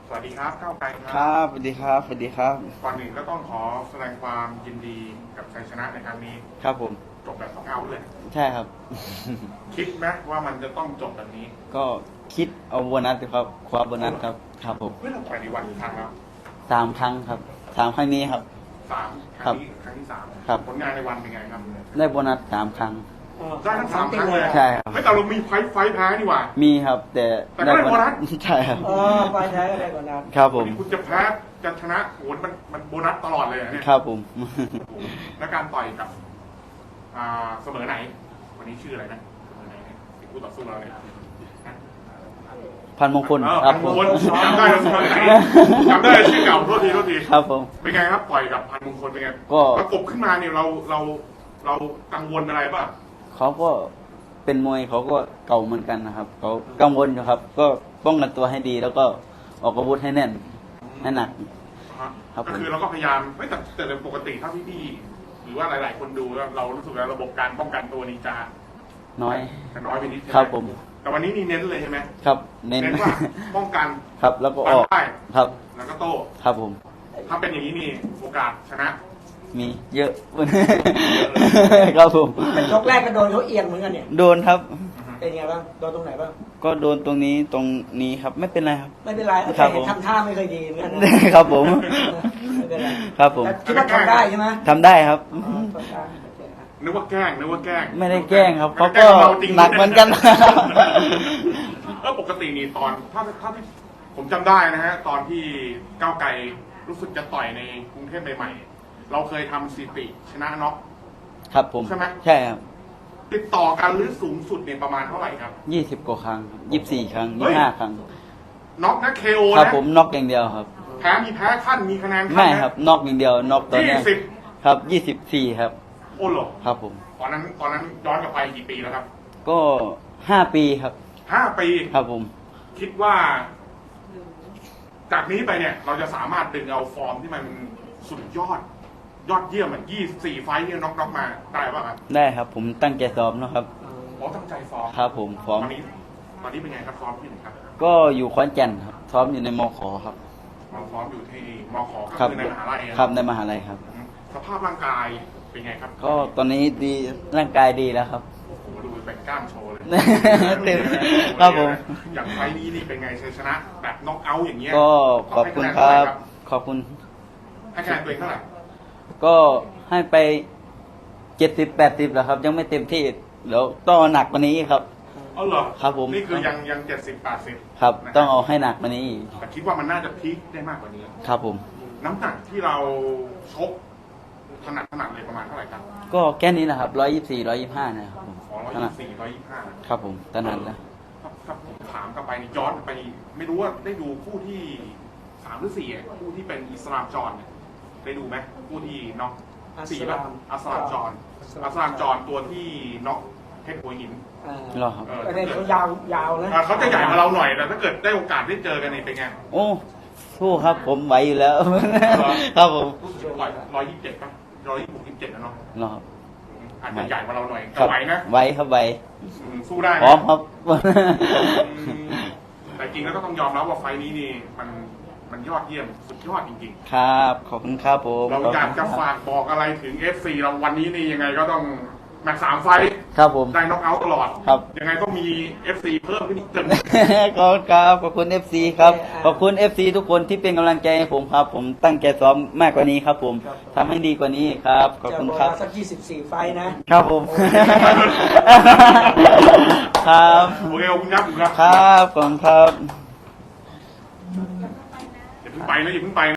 สวัสดีครับก้าวไกลคครัรับ สวัสดีครับ สวัสดีครับก่อนหนึ่งก็ต้องขอแสดงความยินดีกับชัยชนะในครั้งนี้ครับผมจบแบบสองเอาเลยใช่ครับคิดไหมว่ามันจะต้องจบแบบนี้ก็คิดเอาโบนัสครับคว้าโบนัสครับ ครับผมเฮ้ยเราต่อยในวันกี่ครั้งแล้ว 3 ครั้งครับ3 ครั้งนี้ครับสามคครัรั้บงนี้ครั้งที่สามครับผลงานในวันเป็นไงครับได้โบนัส3 ครั้งได้ทั้งสามครั้งเลยใช่ครับไม่แต่เรามีไฟท์แพ้นี่หว่ามีครับ แต่แต่ก็ได้โบนัสใช่ครับไปใช้อะไรก่อนนะครับผมคุณจะแพ้จะชนะโหมันโบนัสตลอดเลยอะเนี่ยครับผมแล้วการต่อยกับเสมอไหน วันนี้ชื่ออะไรนะเสมอไหนเนี่ยที่คู่ต่อสู้เราเนี่ยพันมงคลเออครับพันผมมงคลจำได้แล้วเสมอไหนจำได้ชื่อเก่าโทษทีครับผมเป็นไงครับต่อยกับพันมงคลเป็นไงก็ประกบขึ้นมาเนี่ยเรากังวลอะไรป่ะเขาก็เป็นมวยเขาก็เก่าเหมือนกันนะครับ เขากังวลอยู่ครับ ก็ป้องกันตัวให้ดี แล้วก็ออกอาวุธให้แน่น ให้หนัก ครับก็คือเราก็พยายามไม่แต่ปกติถ้าพี่ๆหรือว่าหลาย ๆ คนดูแล้วเรารู้สึกว่าระบบการป้องกันตัวนี้จะน้อยน้อยไปนิดใช่ไหมครับผมแต่วันนี้นี่เน้นเลยใช่ไหมครับ เน้นเน้นว่าป้องกันครับ แล้วก็ออกฟันได้ครับแล้วก็โต้ครับผมถ้าเป็นอย่างนี้นี่โอกาสชนะมีเยอะ ครับผมเป็นยกแรกก็โดนเขาเอียงเหมือนกันเนี่ยโดนครับเป็นไงบ้าง โดนตรงไหนบ้างก็โดนตรงนี้ครับ ไม่เป็นไรครับไม่เป็นไรครัแต่บผมเห็นทำท่าไม่เคยดีเหมือนกันนะครับผมไม่เป็นไรครับผมแต่คิดว่าทำได้ใช่ไหมทำได้ครับอ๋อทำได้โอเคครับนึกว่าแกล้งไม่ได้แกล้งครับ เขาแล้ก็วแล้จริงหนักเหมือนกันปกตินี่ตอนถ้าที่ผมจำได้นะฮะตอนที่ก้าวไกลรู้สึกจะต่อยในกรุงเทพใหม่ๆเราเคยทำสถิติชนะน็อกครับผมใช่ไหมใช่ครับติดต่อกันหรือสูงสุดเนี่ยประมาณเท่าไหร่ครับ 20 กว่าครั้ง24 ครั้งเฮ้ย 25 ครั้งน็อกนะเคโอครับนะผมน็อกอย่างเดียวครับแพ้มีแพ้ขั้นมีคะแนนขั้นไม่นะครับน็อกอย่างเดียวน็อกตอนเนี้ย 20 ครับ24 ครับโอ้โหครับผมตอนนั้นย้อนกลับไปกี่ปีแล้วครับก็5 ปีครับ 5 ปีครับผมคิดว่า จากนี้ไปเนี่ย เราจะสามารถดึงเอาฟอร์มที่มันสุดยอดเยี่ยมเหมือน24 ไฟท์เนี่ยน็อกมาได้ป่ะครับได้ครับ ผมตั้งใจซ้อมนะครับอ๋อตั้งใจฟอร์มครับผมซ้อมตอนนี้เป็นไงครับฟอร์มที่ไหนครับก็อยู่ขอนแก่นครับ ซ้อมอยู่ในมขครับเราฟอร์มอยู่ที่มขก็ครับคือในมหาลัยอะครับในมหาลัยครับสภาพร่างกายเป็นไงครับก็ตอนนี้ดีร่างกายดีแล้วครับโอ้โหดูเป็นกล้ามโชว์เลยเต็มครับผมอย่างไฟล์นี้นี่เป็นไงชัยชนะแบบน็อกเอาท์อย่างเงี้ยก็ขอบคุณครับ ขอบคุณให้คะแนนตัวเองเท่าไหร่ก็ให้ไป70-80แล้วครับ ยังไม่เต็มที่เดี๋ยวต้องเอาหนักกว่านี้ครับอ๋อเหรอครับผมนี่คือยัง70-80 ครับนะต้องเอาให้หนักกว่านี้อีกแต่คิดว่ามันน่าจะพีคได้มากกว่านี้ครับผมน้ำหนักที่เราชกถนัดเลยประมาณเท่าไหร่ครับก็แค่นี้นะครับ124-125นะครับผมขอถนัด 124 125 ครับผมถนัดแล้วถ้าผมถามกลับไปนี่ย้อนไป ไม่รู้ว่าได้ดูคู่ที่3 หรือ 4อ่ะคู่ที่เป็นอิสลามจอนเนี่ยได้ดูไหมคู่ที่น็อก4ป่ะอัสลามจอนตัวที่น็อกเพชรหัวหินเหรอครับประเด็นเขายาวนะเขาจะใหญ่กว่าเราหน่อยแต่ถ้าเกิดได้โอกาสได้เจอกันนี่เป็นไงโอ้สู้ครับผมไหวอยู่แล้ว ครับผมรู้สึก127ป่ะ126 127นะเนาะเหรอครับอาจจะใหญ่กว่าเราหน่อยคแต่รับไหวนะไหวครับไหวสู้ได้นะพร้อมครับแต่จริงแล้วก็ต้องยอมรับว่าไฟล์นี้นี่มันยอดเยี่ยมสุดยอดจริงครับขอบคุณครับผมๆ เราอยากจะฝากบอกอะไรถึง FC เราวันนี้นี่ยังไงก็ต้องแมตช์3 ไฟล์ครับผมได้น็อกเอาท์ตลอดครับยังไงต้องมี FC เพิ่มขึ้นอีกตึงขอบคุณครับขอบคุณ FC ครับขอบคุณ FC ทุกคนที่เป็นกำลังใจให้ผมครับ ผมตั้งใจซ้อมมากกว่านี้ครับ ผมทำให้ดีกว่านี้ครับขอบจะคุณบอกครับว่าสัก24 ไฟล์นะครับผม ครับโอเคขอบคุณครับครับขอบคุณครับอย่าเพิ่งไปนะอย่าเพิ่งไปนะ